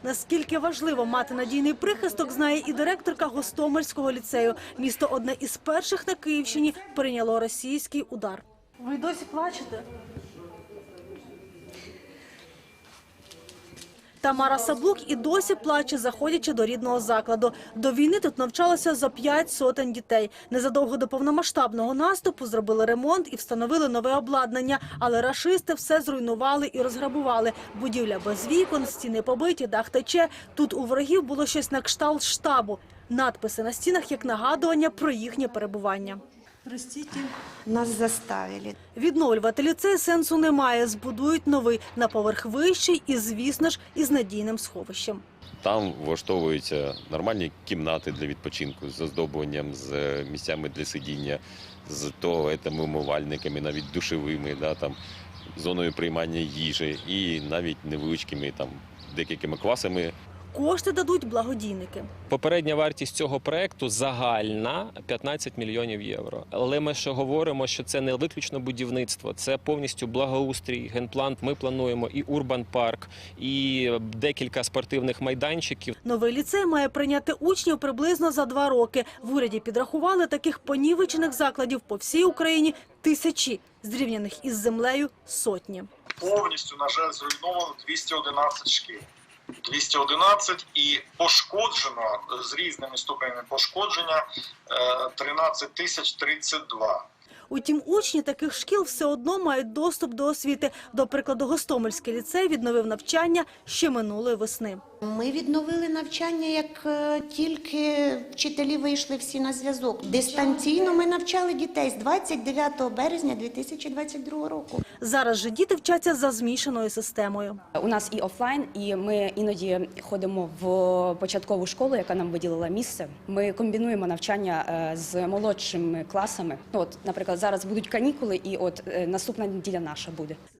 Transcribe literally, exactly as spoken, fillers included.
Наскільки важливо мати надійний прихисток, знає і директорка Гостомельського ліцею. Місто одне із перших на Київщині прийняло російський удар. Ви досі плачете? Тамара Саблук і досі плаче, заходячи до рідного закладу. До війни тут навчалося за п'ять сотень дітей. Незадовго до повномасштабного наступу зробили ремонт і встановили нове обладнання. Але рашисти все зруйнували і розграбували. Будівля без вікон, стіни побиті, дах тече. Тут у ворогів було щось на кшталт штабу. Надписи на стінах як нагадування про їхнє перебування. Простите. Нас заставили. Відновлювати ліцей сенсу немає. Збудують новий на поверх вищий і, звісно ж, із надійним сховищем. Там влаштовуються нормальні кімнати для відпочинку з оздобленням, з місцями для сидіння, з туалетами, умивальниками, навіть душевими, да, там, зоною приймання їжі і навіть невеличкими там, декількома класами. Кошти дадуть благодійники. Попередня вартість цього проєкту загальна п'ятнадцять мільйонів євро. Але ми ще говоримо, що це не виключно будівництво, це повністю благоустрій, генплан. Ми плануємо і урбан-парк, і декілька спортивних майданчиків. Новий ліцей має прийняти учнів приблизно за два роки. В уряді підрахували таких понівечених закладів по всій Україні тисячі, зрівняних із землею сотні. Повністю, на жаль, зруйновано двісті одинадцять шкіл. двісті одинадцять і пошкоджено з різними ступенями пошкодження тринадцять тисяч тридцять два. Утім, учні таких шкіл все одно мають доступ до освіти. До прикладу, Гостомельський ліцей відновив навчання ще минулої весни. Ми відновили навчання, як е, тільки вчителі вийшли всі на зв'язок. Дистанційно ми навчали дітей з двадцять дев'ятого березня дві тисячі двадцять другого року. Зараз же діти вчаться за змішаною системою. У нас і офлайн, і ми іноді ходимо в початкову школу, яка нам виділила місце. Ми комбінуємо навчання з молодшими класами. От, наприклад, зараз будуть канікули, і от наступна неділя наша буде.